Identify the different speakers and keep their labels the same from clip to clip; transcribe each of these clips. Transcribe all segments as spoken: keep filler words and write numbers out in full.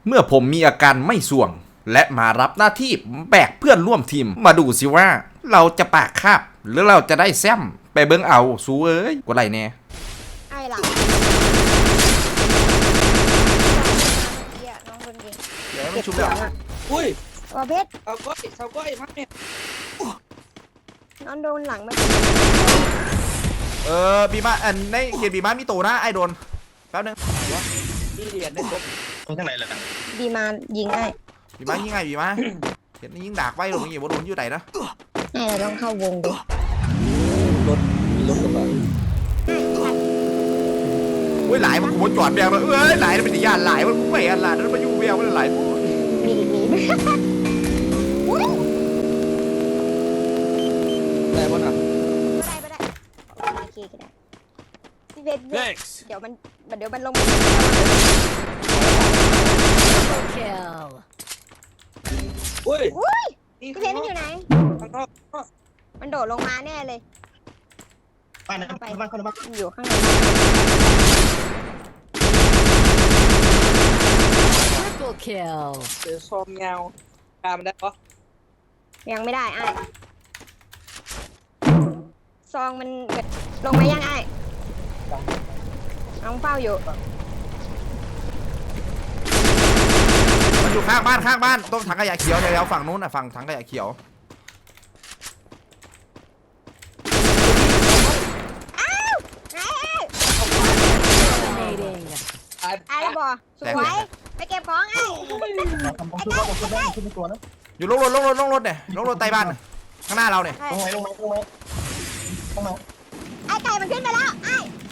Speaker 1: เมื่อผมมีอาการไม่ส่วงและมารับหน้าที่แบกเพื่อนร่วมทีมมาดูสิว่าเราจะปากคาบหรือเราจะได้แซมไปเบิ้งเอาสู้เอ้ยกว่าไรแน่
Speaker 2: ไอ้หลังเหี้ยน้องคนเก่ง
Speaker 1: เดี๋ยวมันชุบแล้ว
Speaker 3: อุ้ย
Speaker 2: ว่าเพชร
Speaker 3: เอาก้อยเอาก้อยมาเนี่ย
Speaker 2: น้องโดนหลังมา
Speaker 1: เออบีมาอันในเขียนบีมามีโตนะไอโดนแป๊บนึง
Speaker 3: ที่เรียนได้ครบ
Speaker 4: ตรงที่ไหนเลยนะ
Speaker 2: ดีมายิงไอ้
Speaker 1: บีมายิงไงบีมาเห็นยิงดากไว้ลงอย่างบ่โดนอยู่ไหนนะ
Speaker 2: ไอ้เราต้องเข้าวงดิ
Speaker 3: รถมีรถกระบะ
Speaker 1: เว้ยหลายมันกูจอดแบงเลยเอ้ยหลายมันเป็นญาติหลายมันกูไม่อันหลายนั่นมาอยู่แบงมันหลาย
Speaker 2: มีมีอุ้ย
Speaker 3: ได้ป่ะน่ะ
Speaker 2: ไม่ได้ไม่ได้โอเคก็ได้พี่เพชรเดี๋ยวมันเดี๋ยวมันลง
Speaker 3: อุ้ย
Speaker 2: อุ้ย
Speaker 3: นี่
Speaker 2: พี่เพชรมันอยู่ไหน
Speaker 3: ข้างนอก
Speaker 2: มันโดดลงมาแน่เลย
Speaker 4: บ้านนะบ้านคนละบ้าน
Speaker 2: มันอยู่ข้างใน
Speaker 5: Triple kill.
Speaker 3: เจอซองเงาตามได้ปะ
Speaker 2: ยังไม่ได้ไอ้ซองมันแบบลงมายังไอ้น้องเฝ้าอยู่
Speaker 1: มันอยู่ข้างบ้านข้างบ้านตรงถังขยะเขียวแถวๆฝั่งนู้นน่ะฝั่งถังขยะเขียว
Speaker 5: Dominating.
Speaker 3: ตาย
Speaker 2: ไอ้ระบอสวยไปเก็บของไอ้
Speaker 4: ทำผมชุบว่าผมชุบได้ชุบเป็นตัวนะ
Speaker 1: อยู่ลงรถลงรถลงรถเนี่ยลงรถใต้บ้านน่ะข้างหน้าเราเนี่ย
Speaker 4: ลงไหมลงไหมลงไหมลงไหม
Speaker 2: ไอ้ไก่มันขึ้นไปแล้วไอ้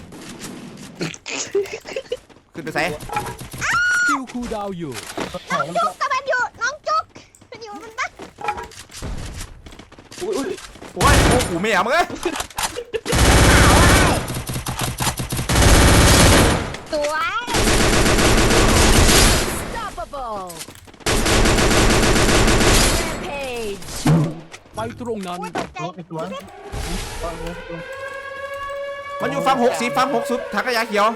Speaker 1: ขึ้นไปใส่
Speaker 6: คิวคูลดาวน์อยู่
Speaker 4: ถ่ายแล้ว
Speaker 2: จุกกับมันอยู่น้องจุกมันอยู่มันบัก
Speaker 3: อุ้ยอุ้ย
Speaker 1: โอ้ยโอ้โหไม่เอามึงเอ้ย
Speaker 2: สวย
Speaker 5: Unstoppable. Rampage.
Speaker 6: ไปตรงนั้น
Speaker 2: อุ้ยตกใจ
Speaker 4: เป็นตัว
Speaker 1: มันอยู่ฝั่งหกสิบฝั่งหกสุดถังขยะเขียว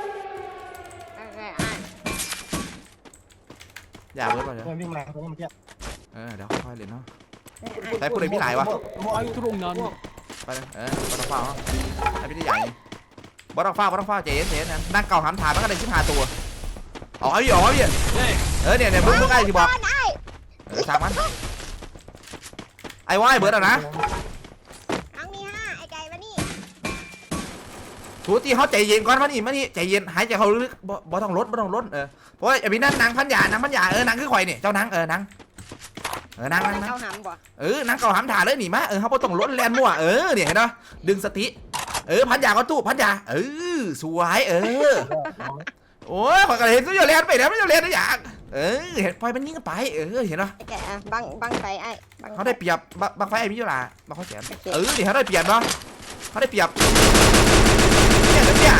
Speaker 1: อย่าเบิร์ดก่อนเดี๋ยว
Speaker 4: วิ่งมาตรงนี้เมื่อกี้
Speaker 1: เออเดี๋ยวค่อยๆเล่นเนาะแต่ผู้ใดพี่หลายวะ
Speaker 6: ไปตรงนั้น
Speaker 1: ไปเลยเออบอลต้องฟ้าเนาะไอ้พี่ที่ใหญ่บอลต้องฟ้าบอลต้องฟ้าเจ๊เจ๊นั่นนั่งเก่าหำถามมันก็ได้ชิบหาตัวอ๋อพี่อ๋อพี่เออเนี่ยเนี่ยมึงมึงไอ้ที่บอกเออช่างมันไอ้ว่าไอ้เบิร์ดอะนะ
Speaker 2: น้องมีห้าไอ้ไก่มานี่
Speaker 1: ทุกทีเขาใจเย็นก่อนมานี่มานี่ใจเย็นหายใจเขาลึกบ่บ่ต้องลดบ่ต้องลดเออเพราะไอ้พี่นั่นนางพันยานางพันยาเออนางคือข่อยนี่เจ้านางเออนางเออนางนางนาง
Speaker 2: เข้าหำบ่
Speaker 1: เออนางเก่าหำถาเลยหนีมาเออเขาบ่ต้องลดแลนมั่วเออเนี่ยเห็นปะดึงสติเออพันยาก็ตู้พันยาเออสวยเออโอ้ยข่อยก็เห็นตัวอยู่แลนไปแล้วไม่อยู่แลนนะอย่างเออเห็นปล่อยมันยิงกันไปเออเห็นปะ
Speaker 2: ไอ้ไก่อ่ะบังบังไฟไอ้บัง
Speaker 1: เขาได้เปรียบบางไฟไอ้พี่ยุลาบางเขาแสนเออนี่เขาได้เปรียบเนาะเขาได้เปรียบเนี่ยเนี่ย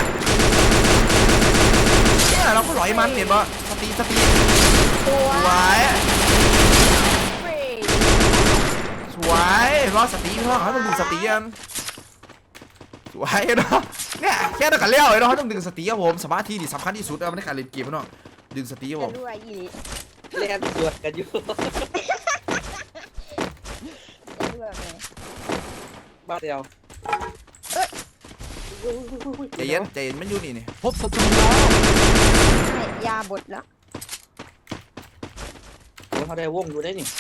Speaker 1: เนี่ยเราก็หลอยมันเห็นปะสตีสตี
Speaker 2: สว
Speaker 1: สวย ย
Speaker 5: Free.
Speaker 1: สวยรอสตีเพราะเขาต้องดึงสตีกันสวยเนาะเนี่ยแค่ต้องการเลี้ยวเนาะเขาต้องดึงสตีครับผมสมาธินี่สำคัญที่สุดเอาในการเล่นเกมเนาะดึงสตีครับผ
Speaker 2: จะ
Speaker 1: ม
Speaker 2: รั่วอีหลี
Speaker 3: เรียนสวดกันอยู่
Speaker 2: จะรั่วเลย
Speaker 3: บ้านเดียว
Speaker 1: ใจเย็นใจเย็นมันอยู่นี่นี่
Speaker 6: พบศัตรูแล้ว
Speaker 2: ใช่ยาบดแล้ว
Speaker 3: เขาได้วงอยู่ได้นี่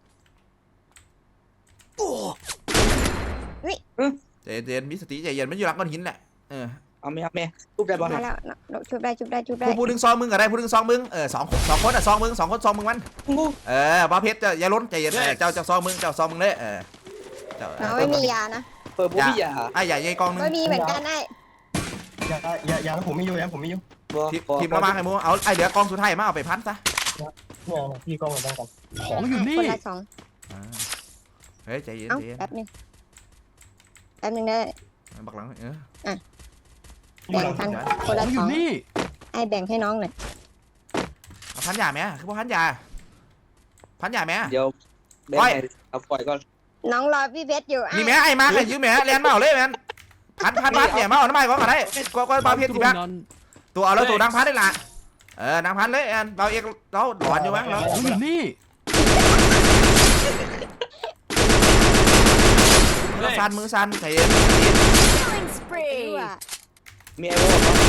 Speaker 1: ใจเย็นมีสติใจเย็นมันอยู่หลังก้อนหินแหละเออ
Speaker 3: เอาไหมเอาไหมทุบได้ป่ะ
Speaker 2: มาแล้วชุบได้ชุบได้ชุบได้
Speaker 1: ผู้ผู้ดึงซองมึงก็ได้ผู้ดึงซองมึงเออสองสองคนอ่ะซองมึงสองคนซองมึงมันเออบ้าเพชรอย่าล้นใจเย็นเจ้าเจ้าซองมึงเจ้าซองมึงเลยเออเจ้า
Speaker 2: เราไม่มียานะ
Speaker 3: เปิดบุบี้ยา
Speaker 1: ไอ้ใหญ่ใหญ่กองนึง
Speaker 2: ไม่มีเหมือนกันไอ้
Speaker 4: อย่าอย่าอย่าผมไม่อยู่อย่าผมไม่อยู่
Speaker 1: ทีมละมาไอ้มูเอาไอ้เดี๋ยวกองสุดท้ายมาเอาไปพันซะ
Speaker 4: เนี่ยพี่กล้องเหมือนกัน
Speaker 6: ของอยู่นี่
Speaker 2: คนละสอง
Speaker 1: เฮ้ยใจเย็น
Speaker 2: เอ้า
Speaker 1: ใจเย็น
Speaker 2: แป๊บนึงแป๊บนึงได้
Speaker 1: บักหลังเออ
Speaker 2: แบ่งกันคน
Speaker 6: ข
Speaker 2: ละ
Speaker 6: องอ
Speaker 2: ส
Speaker 6: ยู่
Speaker 2: อง
Speaker 6: นี่
Speaker 2: ไอ้แบ่งให้น้องหน่อย
Speaker 1: เอาพันยาไหมคือพวกพันยาพันยาไหม
Speaker 3: เดี๋ยวแบ่งเอาปล่อยก่อน
Speaker 2: น้องรอพี่เพชรอยู่ไอ้
Speaker 1: นี่แม่ไอ้มาให้ยืมแม่เรียนมาเอาเลยแม่พันพันพันเนี่ยมาเอาน้ำมันก่อนก็ได้ก็ก็บ้าเพชร
Speaker 6: ต
Speaker 1: สิ
Speaker 6: รง
Speaker 1: แม่
Speaker 6: นั้น
Speaker 1: ตัวเอาแล้วตัวดังพันได้ละเออนางพันเลยแอนเราเอกเราหลอนอยู่มั้งเรา
Speaker 6: ของอยู่นี่
Speaker 1: มือสั่นมือสั่นใจเย็น
Speaker 5: Killing
Speaker 2: ไม่
Speaker 5: spree.
Speaker 2: รู้อ่ะ
Speaker 3: มีไอโว่ปะ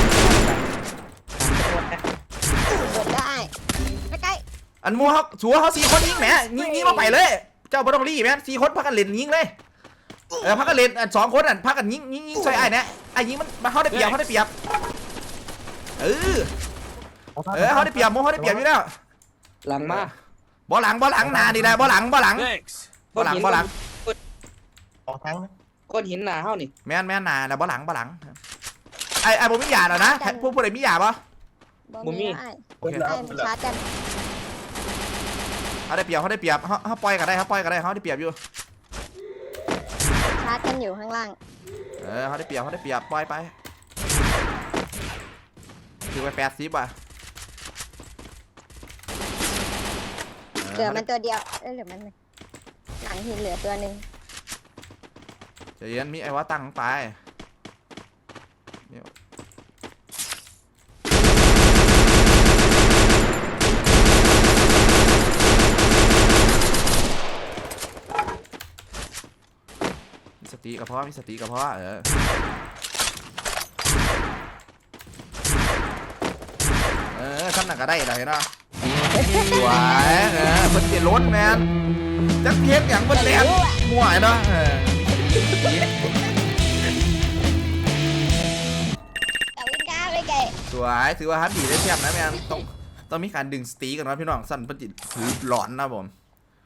Speaker 2: กดได้ไม่ใกล้
Speaker 1: อันมัวเขาชัวเขาสี่คนยิงแหมยิงยิงมาไปเลย เจ้าบอต้องรีแมนสี่คนพักกันเล่นยิงเลยเออพักกันเล่นอันสองคนอันพักกันยิงยิงยิงใส่ไอ้เนี่ยไอ้ยิงมันมันเขาได้เปรียบเขาได้เปรียบเออเออเขาได้เปรียบโมเขาได้เปรียบอยู่แล้ว
Speaker 3: หลังมา
Speaker 1: บอหลังบอหลังนาดีแหละบอหลังบอหลัง
Speaker 7: Thanks.
Speaker 1: บอหลังบอหลัง
Speaker 4: ออกทั้งนะ
Speaker 3: ก้อนหินหนาเฮานี่
Speaker 1: แม่นแม่นนานะบอหลังบอหลังไอ้ไอ้ผมมีหยาแล้วนะพวกพวกไหนมีหยาปะ
Speaker 2: บอมีได้
Speaker 1: โอเค
Speaker 2: ได้มันชาร์จกัน
Speaker 1: เขาได้เปรียบเขาได้เปรียบเขาเขาปล่อยกันได้เขาปล่อยกันได้เขาได้เปรียบอยู่
Speaker 2: ชาร์จกันอยู่ข้างล่าง
Speaker 1: เออเขาได้เปรียบเขาได้เปรียบปล่อยไปถือไปแปดสิบอ่ะ
Speaker 2: เหลือมันตัวเดียวเอ้ยเหลือมันหลังหินเหลือตัวหนึ่ง
Speaker 1: ใจเย็นมีไอ้ว่าตั้งไปเนี่ยมีสติกับพ่อมีสติกับพ่อเออเออขั้นหนักก็ได้เลยเห็นป่ะสวยเออเพิ่นเปลี่ยนรถแมนจักเทปอย่างเพิ่นแรงมั่วเนาะเออ
Speaker 2: แต่วิ่งก้าวไปไกล
Speaker 1: สวยถือว่าฮัตดีได้เทียบนะแมนต้องต้องมีการดึงสตีกันนะพี่น้องสั่นเพิ่นจิถือหลอนนะผม